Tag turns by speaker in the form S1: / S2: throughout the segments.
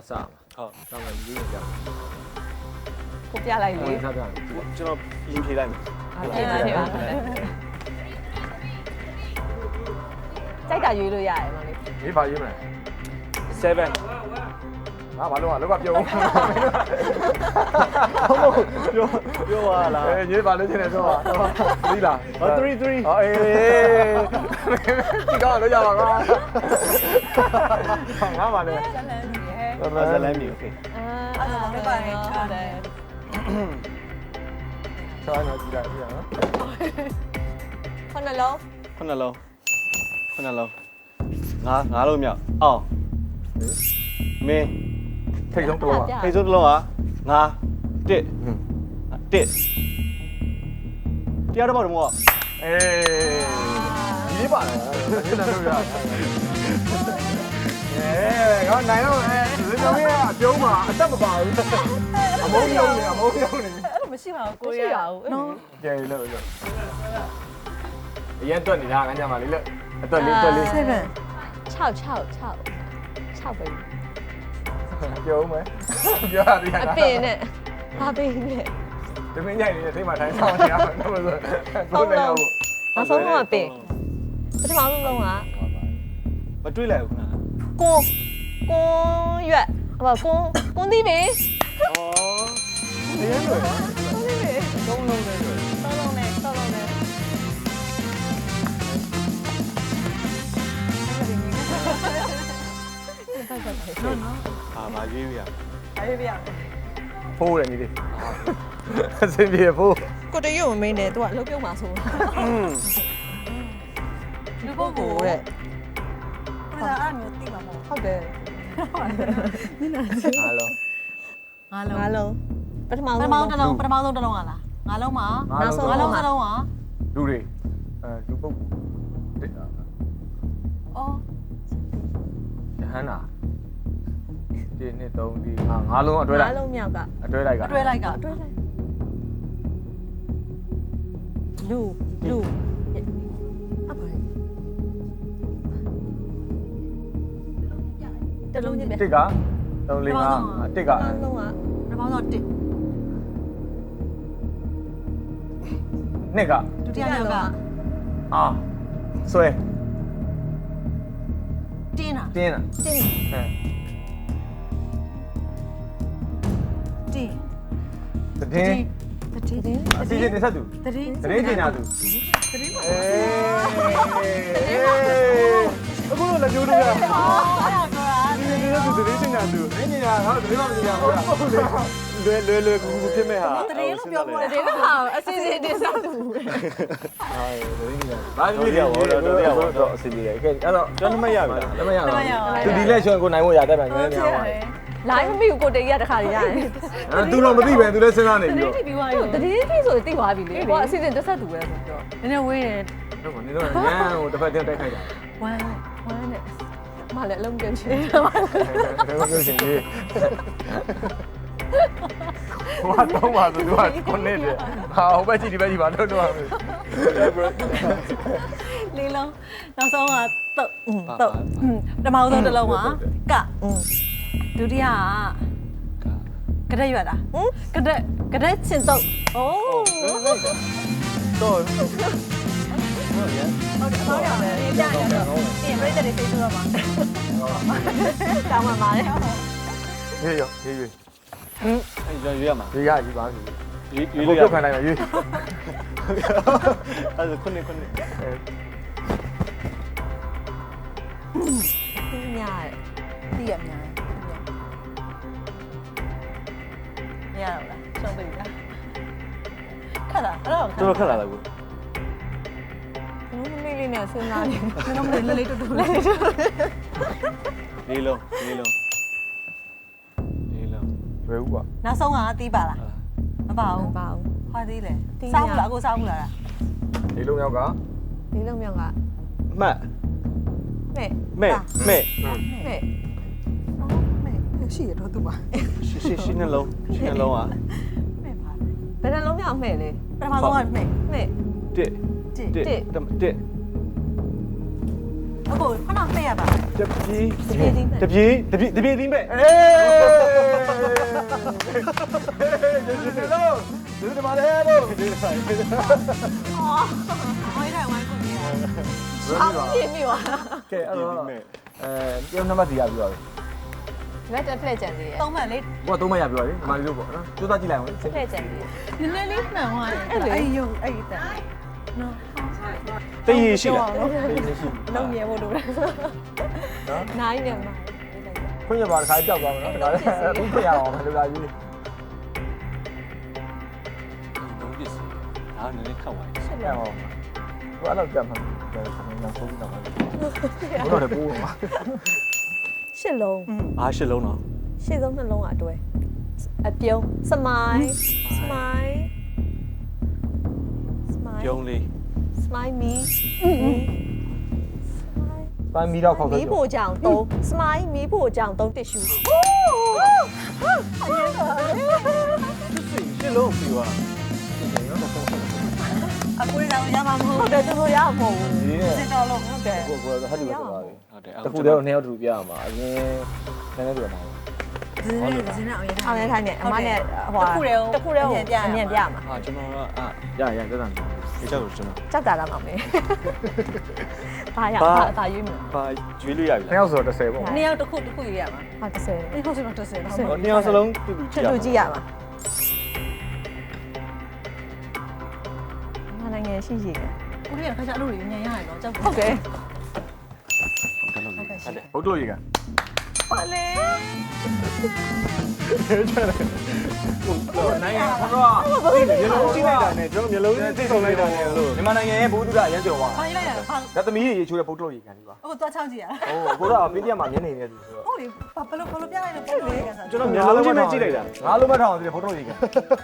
S1: တော့စမှာဟုတ်တော့ငါဒီလိုကြောက်
S2: ကိုပြလိုက်လေ
S1: ဆက်ပြ
S3: ကျွန်တော်ရင်ဖြေလိုက်မယ်
S2: ပြင်ပါပြင်ပါကြိုက်တာရွေးလို့ရတယ်မလေး
S1: ရေးပါရေးမလား
S3: 7
S1: ငါဘာလို့လောက်ကပြုံး
S3: ပြောပါလား
S1: ရေးပါလို့ချင်းနေဆိုပါသီးလား
S3: 3 3
S1: ဟောအေးဒီကောင်လို့ရပါကောငါပါလေ
S3: ဇလန်မီโอเค
S2: အဲ့ဒါလည်းပါတယ်ဟုတ်တယ်
S1: ဆောင်းတော့ကြည့်လိုက်ပြနော်
S2: ခုနှလုံး
S3: ခုနှလုံးငါးလုံးမြောက်အောင်မင်း
S1: ထိတ်ဆုံးတော့ပါ
S3: ထိတ်ဆုံးတစ်လုံးကငါတစ်တရားတော့ဘာလို့မဟုတ်
S1: အေးဒီလေးပါလားဒီနေ့တော့ရငါနိုင်တော့ဒီကောင်ကြီးအပြုံးမှာအသက်မပါဘူးအမုန်းယုံနေ
S2: အဲ့လိုမရှိပါဘူးကိုရရအောင်နော်
S1: ကြဲလို့အရင်တွက်နေတာငါညမှာလေးလို့အတွက်လေး7
S2: 6ပဲ
S1: ပြုံးမယ်ပြောရသေး
S2: အပင်နဲ့ဘာပင်နဲ့
S1: ဒီမင်းညိုင်နေတဲ့စိတ်မှာထိုင်ဆောင်နေရမှာတော့ဆိုကိုလည်းရောက်
S2: နောက်ဆုံးတော့ပင်ပထမဆုံးလုံးက
S3: မတွေးလိုက်ဘူးခုန
S2: ကွန်ရွက်ဟိုကွန်သီးပင်
S3: ဩနေရလို့
S2: ကွန်သီးပင်
S3: သုံးလုံးနဲ့လို့
S2: သုံးလုံးနဲ့
S3: မရွေးရ
S2: အဲ့ဒီပြ
S1: ဖိုးတယ်ညီလေးအစင်ပြေဖိုး
S2: ကိုတရွတ်မမင်းနဲ့သူကလှုပ်ပြုံးမှာဆိုလူပုဂ္ဂိုလ်တဲ့
S4: ဘယ်လိုအဲ့မျိုးသိမှာမဟုတ်
S2: ဟုတ်တယ်
S1: အားလုံး
S2: ငါလုံးပထမ
S4: ပထ
S2: ဆုံး
S4: မဆုံးတစ်လုံးကလားငါလုံးမှာ
S2: နောက်ဆုံး
S4: ငါ
S2: လုံး
S4: လုံး
S2: က
S4: တစ်လုံးက
S1: လူတွေလူပုဂ္ဂိုလ်တက်တာ
S4: အော်
S1: ယဟန္တာဒီနှစ်3ဒီငါးလုံးအတွဲလိုက်
S2: ငါလုံးမြောက်က
S1: အတွဲလိုက်က
S4: အတွဲလိုက်က
S2: အတွဲလိုက်လူအပါတလုံးညပဲ
S1: တစ်က3 4 5တစ်က
S2: လုံးက
S4: ပထမဆုံး1
S1: နှစ်က
S4: ဒုတိယမြောက်က
S1: အာဆွဲ
S4: တင်းတာ
S1: တင်းတာ
S2: တင်း
S1: ဟမ်
S4: တင်း
S1: တည်င်း
S2: တင်း
S1: အစီအစဉ်တင်ဆက်သူ
S4: တတင်း
S1: တရင်ကျင်ညာသူ
S4: တတင်းပါ
S1: အခုတော့လက်ကျိုးတို့ရ
S4: အော်အဲ့ဒါပြောတာ
S3: ဒီနေ့သူတရင်တင်ညာသူ
S1: တရင်ကျင်ညာဟာတရင်မကျင်ညာဘူးလား
S3: လွယ်ကူဖြစ်မဲ့ဟာ
S4: တတင်းလို့ပြောပေါ်တယ်
S2: တင်းဟာအစီအစဉ်တင်ဆက်သူ
S1: ဟာတရင်ကျင်ညာဘာဖြစ်လဲတော့အစီအစဉ်လေကဲအဲ့တော့
S3: ကျွန်တော်မရပြီလား
S1: လက်မရဘူးသူဒီလက်ရှင်ကိုနိုင်ဖို့ရတတ်တယ်ငယ်ငယ်ပါ
S2: လိုင်းမမိဘူးကိုတေးရတခါရရတယ်
S1: သူတော့မသိပဲသူလည်းစဉ်းစားနေပြီးတော့
S4: ပြီးသွားပြီ
S2: တတိတိဆိုသိသွားပြီလေကိုကအစီအစဉ်တက်ဆက်သူပဲဆိုတော့
S4: နည်းနည်းဝေးတယ်
S1: တော့နေတော့ညံဟိုတစ်ဖက်တက်ခိုက်တာ
S4: ဝမ်း
S2: ဝမ်းနဲ့မလည်းအလုံးပြန်ချင်
S1: ဘယ်လိုပြောရှင်ကြီးဟိုတော့ပါသူကကိုနေတယ်ဟာဟိုဘက်ကြည့်ဒီဘက်ကြည့်ပါတော့တော့
S4: လေးလုံးနောက်ဆုံးကတုတ်ပထမဆုံးတစ်လုံးကဒုတိယကကရက်ရွက်တာကရက်ချင်တုတ်အိုး
S3: တော့
S4: ဟုတ်တယ်အမောင်းရမယ်ပြရတယ်ပြင်ပြိတ္တတွေသိဆိုတော့မှာ
S2: တောင်းမှမာလေ
S1: ရေးရရေးရေး
S3: အဲ့ကျွန်တော်ရွေးရမှာ
S1: ရေးရရေးပါပြီ
S3: ရွေး
S1: ကို
S3: လို့ရ
S1: ပြုတ်ခံ
S3: မှာ
S1: နိုင်မှာရေး
S3: အဲ့ဒါခုနှစ်
S2: ညာ
S4: သိရများမရတော့လားရှုံးပြီလားခက်တာအဲ့တော့
S3: တော်တော်ခက်လာလားကို
S2: ဘူးလေးလေးနဲ့စဉ်းစားနေ
S4: ကျွန်တော်မလေးလေးတူတူလေး
S3: လေးလုံး
S1: ဘယ်ဦးကွာ
S4: နောက်ဆုံးကတီးပါလားမပါဘူး
S2: ပါဘူး
S4: ဟာသေးလေစောင်းလားအခုစောင်းလား
S1: ဒီလုံးရောက်က
S2: လေးလုံးမြောက်က
S3: မှတ်
S2: မဲ့
S3: မဲ့
S2: မဲ့
S4: ရှိရတော့သူပါ
S3: ရှင်းနှလုံးอ่ะ
S4: မဲ့ပါ
S2: ဘယ်နှလုံးမြောက်မဲ့လဲ
S4: ပထမဆုံးကမဲ့
S2: မဲ့
S3: တစ်
S4: တစ်
S3: တစ်
S4: အခုခဏဖက်ရပါ
S1: တပြေး
S3: တပြေးတပြေးတင်းပဲ
S1: အေးဒီမှာလေလို့
S4: အော်ဟိုတိုင်းဝိုင်းကုန်ပြီ
S2: ဆောင်းပြင်းပြီပါ
S1: ကဲအဲ့တော့တယောက်နံပါတ်စီရပြီးပါပြီ
S2: ဒီဘက်တက်ဖလက်ကြံသေးတယ်
S4: 3မှတ်လေ
S1: ကိုက3မှတ်ရပြီးပါပြီဒီမှာလေးလို့ပေါ့နော်စူးစမ်းကြည့်လိုက်အောင်
S2: ဖလက်ကြံသေးတယ်
S4: နည်းနည်းလေးမှန်သွားတယ်အဲ့ရုပ်အဲ့တန်နော်
S3: တည်ရရှိလား
S2: လုံးမြဲဖို့လိုတယ်နိုင်နေမှာ
S1: ခွင့်ရပါတစ်ခါကြောက်သွားမယ်နော်ဒါလည်းအခုခွင့်ရအောင်မလို့လာကြီး
S3: လုံးပစ္စည်းဒါနည်းနည်းခက်သွားတယ်
S1: ဆက်ရအောင်ဘာလို့ကြမှာလဲကျွန်တော်ဆုံးတာပါဘယ်တော့လဲပိုးမှာ
S2: ရှစ်လုံး
S3: အားရှစ်လုံးတော့
S2: ရှစ်ဆုံးနှလုံးအတွဲအပြုံးစမိုင်းစမိုင်းစမိုင်း
S3: ပြုံးလေး
S2: စမိုင်းမီ
S1: ပန်းမီတော့ခေါက်
S2: မီ
S1: တော့
S2: ဖို့ကြောင်3စမိုင်းမီဖို့ကြောင်3တစ်ရှူ
S3: ရှစ်လုံးပြီပါ
S4: အခုရအောင်ရမှာမဟုတ်
S2: ဟုတ်တယ်သူတို့ရအောင်မဟုတ်ဘူး
S1: ဒီနဲ့
S4: စစ်တော်လို့
S2: ဟုတ်တယ်
S1: ကိုဟတ်တူဆိုပါပြီ
S3: ဟုတ်တယ်
S1: တခုတည်းတော့2ယောက်တူပြရမှာအရင်နည်းနည်းတူရမှာ
S4: ဇင်းနဲ့အောင်ရ
S2: အောင်ရထိုင်နေအမနဲ့ဟိုတစ်ခုတည်းကိုအမြင်ပြမှာ
S3: ဟာကျွန်တော်ကအာ
S1: ရတက်တာ
S3: ဒီချက်ကိုကျွန်တော်
S2: ကြောက်တာလားမောင်လေးဘာရဘာရွေးမလား
S3: ဘာကျွေးလို့ရပြီ
S1: 2ယောက်ဆိုတော့10ပေါ့
S4: နှစ်ယောက်တစ်ခုရရမှာ
S2: ဟာ30
S4: ဒီခုဆိုတော့30တော့
S3: လားနှစ်ယောက်စလုံးတူတူ
S2: ချစ်လူကြည့်ရမှာမနိုင်ငံရှိရှိတယ်
S4: ဦးလေးကခါကျအလုပ်တွေညံရရတယ်နော်ကြောက်
S2: ဟုတ်တယ်
S4: ဟုတ်ကဲ့ရှိတယ်
S1: ဘုတ်တို့ရေက
S2: ပါလေ
S1: နိုင်ငံကတော့ရေလုံးကြည့်လိုက်တာနဲ့ကျွန်တော်မျိုးလုံးသိဆုံးလိုက်တာနဲ့လို့မြန်မာနိုင်ငံရဲ့ဘုဒ္ဓရမ်းကျော်သွား
S4: ဘာလိုက်ရတာဘာ
S1: ဒါသမီးရေချိုးတဲ့ဘုတ်တို့ရေကန်ဒီပါ
S4: အခုသွားချောင်းကြည့်ရတာ
S1: ဟိုကိုတော့ပေးပြမှာမျက်နေနေတယ်ဆိုတော့
S4: ဟုတ်လေဘလို့ပြလိုက်လို့ပုံလို့ရကစား
S3: ကျွန်တော်မျိုးလုံးချင်းပဲကြည့်လိုက်တာ
S1: ငါလုံးမထောင်သေးတယ်ဘုတ်တို့ရေကန်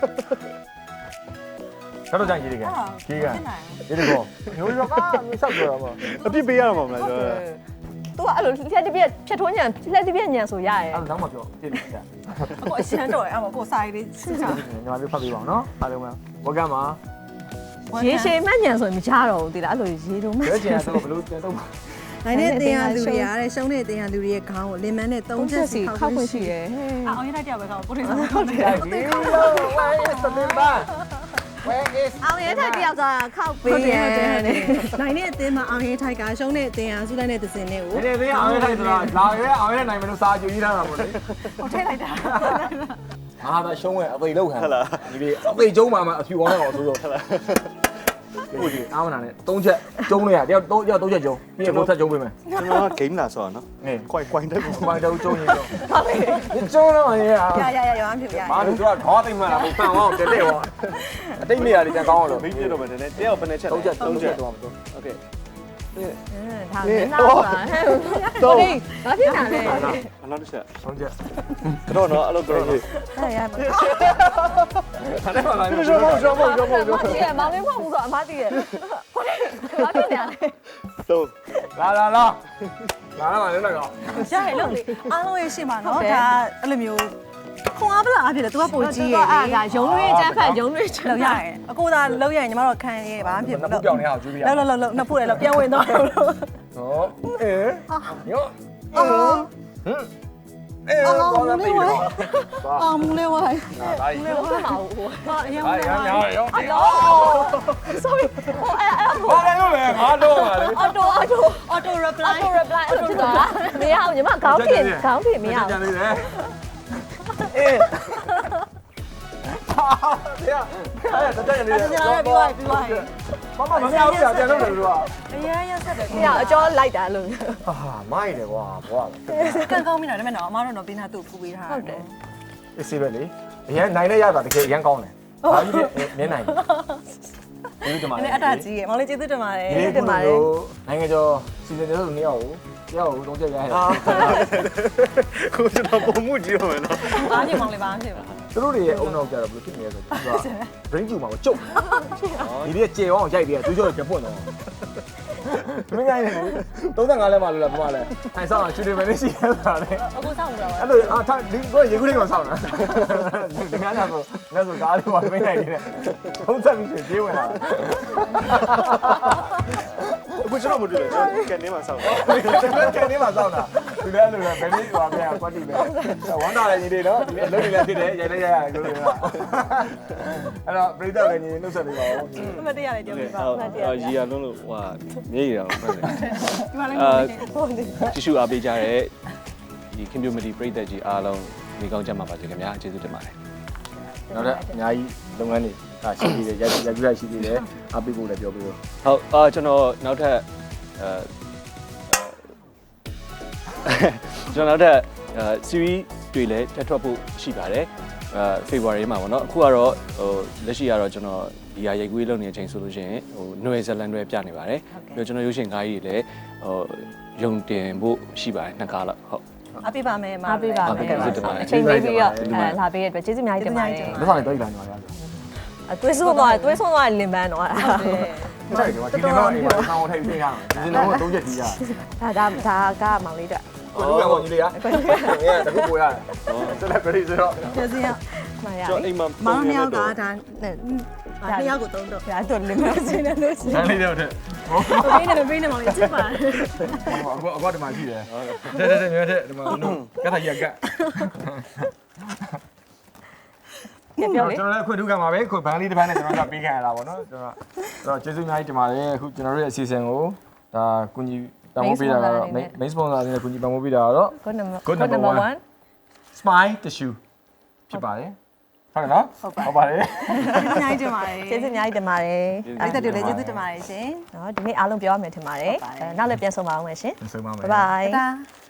S1: ကတော့ကြိုင်ကြီးရေကန်ကြီးကန်ဒီဒီကောမျိုးရောကဆောက်ကြတော့မှာ
S3: အပြစ်ပေးရမှာမလားကျွန်တော်
S2: သူကအဲ့လိုလက်တစ်ပြက်ဖြတ်ထိုးညံလက်တစ်ပြက်ညံဆိုရရဲ့
S1: အဲ့တော့မှပြောပြည့်နေတာ
S4: အခုအရှမ်းတော့အဲ့မကိုစာရေးလေးစစ်ချာ
S1: ညီမလေးဖတ်ပေးပါအောင်နော်အားလုံးကဝကမှာ
S2: ရေရှည်မှညံဆိုရင်မကြတော့ဘူးတိလားအဲ့လိုရေတုံးမှ
S1: ဘယ်ကျင်တော့ဘလို့ပြန်တော့
S4: နိုင်တဲ့တင်ရလူတွေရတဲ့ရှုံးတဲ့တင်ရလူတွေရဲ့ခေါင်းကိုလင်မန်းနဲ့3ချက်စီ
S2: ခောက်ခွင့်ရှိတယ်
S4: အောင်ရတဲ့တယောက်ပဲကောကိုတင်ဆောင်ဟုတ်တယ်
S1: ဒီလိုဝိုင်းစလင်ပါ Where is
S2: အောင်ရဲထိုက်တယောက်သာခောက်ပေးတယ်
S4: နိုင်တဲ့အတင်းမှာအောင်ရဲထိုက်ကရှုံးတဲ့အတင်းဟာစုလိုက်တဲ့သစင်လေးကို
S1: ဒီနေ့အောင်ရထိုက်ဆိုတာလာရဲအောင်ရနိုင်မလို့စာကြည့်ရတာပါလေ
S4: ဟုတ်ထိလိုက်တာ
S1: ငါကရှုံးဝဲအသိလောက်ခံဒီလေအသိကျုံးမှာအဖြူအောင်တော့ဆိုတော့ဟုတ်ဒီအားမနာနဲ့3ချက်ကျုံးလို့ရတယောက်3ချက်ကျုံးပြီးရင်ဘုတ်ဆက်ကျုံးပေးမယ်
S3: ကျွန်တော်ကဂိမ်းလာဆိုတော့နော်
S1: ငယ်
S3: ကွိုင်တက်ကို
S1: ဘာတော့ကျုံးရင်တော့ဒီကျုံးတော့ရ
S4: ရရောင်းဖြစ်ရ
S1: မာလူကခေါင်းသိမ့်မှလားဘုပန်အောင်တက်တဲ့ဟောအတိတ်နေရာလေးတန်ကောင်းအောင်လို့
S3: မိပြတော့မယ်နည်းနည်းတယောက်ဘယ်နဲ့ချက်
S1: 3ချက်တော့မှာတော့
S3: โอเค
S2: ဒါမင်းသားပါတော့ဒီဘာဖြစ်တာလဲ
S3: နောက်တစ်ချက်
S1: 3ချက်
S3: တော့နော်အဲ့လိုတော့
S2: အဲ့ရပါ
S1: ခဏမှလာနေရှော့
S2: မောင်လေးဖောက်ဘူးဆိုအမလေးရဲ့ကိုလေးဘာဖြစ်နေလဲ
S3: တော့
S1: လာပါလေတော့ကော
S4: ရရလို့လေအားလုံးရဲ့ရှင်းပါနော်ဒါအဲ့လိုမျိုးခွန်အားပလာအဖြစ်လေ तू ကပိုကြီးရယ်
S2: အဲ့ဒါရုံလွေးချမ်းဖက်ရုံလွေးချမ်း
S4: လောက်ရရင်အကိုသာလောက်ရရင်ညီမတို့ခံရဲဘာမှဖြစ်ဘူး
S1: နှစ်ပြောင်းနေအောင်ကျွေးပြရ
S4: လောက်နှစ်ဖူးလေလောက်ပြန်ဝင်တော့လို့
S1: ဟောအေးယောပေါ်လာပြီတော့
S4: အောင်မူလေးဝိုင်း
S1: ဒါကြီး
S2: မဟုတ်ပါဘူး
S4: ဟာအရင်
S1: ဟာရမ်းရော
S2: အော် sorry ဟိုအဲ့
S1: ဘာလဲလို့လဲငါတော့ပါလေ
S4: auto reply
S2: အဲ့လိုဖြစ်သွားမရအောင်ညီမခေါင်းဖြင့်မရအောင်
S1: ကြံနေတယ်အေးဟာတကယ်နေတယ်
S4: ကျွန်တော်ပြောပြီးသွားပြီ
S1: မမမမြောက်ဘူးပြန်လို့လေသူကအ
S4: ရင်ရဆက်တယ်
S2: မရအကျော်လိုက်တာလို့
S1: ဟာမိုက်တယ်ကွာဘွာ
S4: ကန်ကောင်းပြီနော်ဒါပေမဲ့နော်အမတို့တော့ပေးထားသူ့ကူပေးထား
S2: ဟုတ်တယ်
S1: အေးစေးပဲလေအရင်နိုင်တဲ့ရတာတကယ်အရင်ကောင်းတယ်ဘာကြီးလဲနင်းနိုင်တယ်ဒီလိုတမန်
S4: နည်းအတားကြီးရယ်မောင်လေးကျေးဇူးတင်ပါတယ်
S1: နိုင်ငံကျော်စီစဉ်တဲ့သူနှစ်ယောက်ကိုတယောက်ကို3ချက်ရရတယ်
S3: ကိုကျွန်တော်ပုံမှုကြည့်ရမယ်နော်
S4: အားညမောင်လေးဘာမှဖြစ်ပါ
S1: သူတို့တွေရဲ့အုံနောက်ကြတော့ဘယ်လိုဖြစ်နေလဲဆိုတော့သူက brain ကျူမှာကိုကျုပ်ဒီလေးကျေအောင်ရိုက်ပြီးသူတို့ပြန်ပွင့်တော့မင်းငိုင်းနေ35လဲမှလို့လားဘာမှလဲအဲဆောင်းချူတယ်မင်းရှိရတာလေ
S4: အခုစောင့်နေတာပါ
S1: အဲ့လိုအာထားဒီကိုရေခုလေးကိုဆောင်းတာဒီများတော့လက်ဆိုကားလေးပါမင်းနိုင်နေတယ်သုံးဆက်ပြီးပြေးဝင်လာအခု
S3: ကျွန်တော်မတွေ့ဘူးကျွန်တော်ကန်နေမှာစောင့်တာ
S1: ကန်နေမှာစောင့်တာသူလည်းအဲ့လိုပဲဘယ်နည်းဟိုပြန်ကွက်တီပဲဝမ်းတာလည်းညီလေးနော်ဒီအလုပ်တွေလည်းဖြစ်တယ်ရိုက်လိုက်ရရတယ်လို့ပြောအဲ့တော့ပရိသတ်လည်းညီနှုတ်ဆက်ပေးပါဦး
S4: အမတရားလေးပြောပြပါ
S3: ဟုတ်ရီယာလုံးလို့ဟိုမြေးရအောင်ဟုတ်တယ်
S4: ဒီမှာလည်း
S3: တီရှူအားပေးကြတဲ့ဒီ community ပရိသတ်ကြီးအားလုံးဒီကောင်းကြမှာပါစေခင်ဗျာကျေးဇူးတင်ပါတယ်
S1: နောက်ထပ်အများကြီးလုပ်ငန်းတွေရှိသေးတယ်ရိုက်ပြရှိသေးတယ်အားပေးဖို့လည်းပြောပေးလို့
S3: ဟုတ်ကျွန်တော်နောက်ထပ်ကျွန်တော်နောက်ထပ် series တွေလည်းထပ်ထွက်ဖို့ရှိပါတယ်February မှာပေါ့နော်အခုကတော့ဟိုလက်ရှိကတော့ကျွန်တော်ဒီဟာရိုက်ကူးလုပ်နေတဲ့အချိန်ဆိုလို့ရှိရင်ဟို Noel Zealand တွေပြနေပါတယ်ပြီးတော့ကျွန်တော်ရုပ်ရှင်ကားကြီးတွေလည်းဟိုရုံတင်ဖို့ရှိပါတယ်နှစ်ကားလောက်ဟုတ်
S4: အပေးပါမယ်မ
S2: အားပေးပါမယ်
S3: ကျေးဇူးတင်ပါတယ်
S2: အချိန်ပေးပြီးတော့လာပေးတဲ့အတွက်ကျေးဇူးအများကြီးတင်ပါတယ်
S1: လက်ဆောင်လည်းတော့လာနေပါလား
S2: သွေးဆုံးသွားလင်ပန်းတော့
S1: ဟုတ်တယ်ဒီနေ့တော့အိမ်မှာဆောင်းထိုင်ပြရအောင်ဒီနေ့တော့3ချက်ကြီးရ
S2: ဒါကမောင်လေးတက်
S1: ကိုလူကညီလေးကတခုပို့ရတယ်ဆက်လက်ပြည့်ဆိုတော့
S4: ကျေးဇူးရ
S2: မှန်ရ
S3: ကျွန်တော်အိမ်မှာ
S4: မောင်နှစ်ယောက်ကဒါနှစ်ယောက်ကိုသုံးတော့
S2: ဒါတော့လင်ပန်းချင်းနဲ့လို့ရှိ
S1: ဆန်းလေးတော့တဲ့
S4: ဘေးနဲ့မောင်လေးချစ်ပါတယ်
S1: အခုဒီမှာရှိတယ်တဲ့မြဲတဲ့ဒီမှာကတ်ကြီးကတ်
S2: ပြောလေ
S1: ကျွန်တော်လည်းခွင့်ထူးခံပါပဲခွင့်ဘန်းလေးတစ်ပန်းနဲ့ကျွန်တော်ကပေးခံရတာပေါ့နော်ကျွန်တော်ကျေးဇူးအများကြီးတင်ပါတယ်အခုကျွန်တော်တို့ရဲ့အစီအစဉ်ကိုဒါကုညီပံ့ပိုးပေးတာကတော့ main sponsor အနေနဲ့ကုညီပံ့ပိုးပေးတာကတော့
S2: good number 1
S1: Smile Tissue ဖြစ်ပါတယ်ဟုတ်ကဲ့နော်ဟုတ်ပါတယ်
S4: အများကြီးတင်ပါတယ်
S2: ကျေးဇူးအများကြီးတင်ပါတယ်
S4: ပြည်သက်တွေလည်းကျေးဇူးတင်ပါတယ်ရှင်
S2: နော်ဒီနေ့အားလုံးပြောရမယ်ထင်ပါတယ်နောက်လည်းပြန်ဆုံပါအောင်မယ်ရှင်
S1: ဆုံးပါမယ်
S2: bye bye
S4: တာ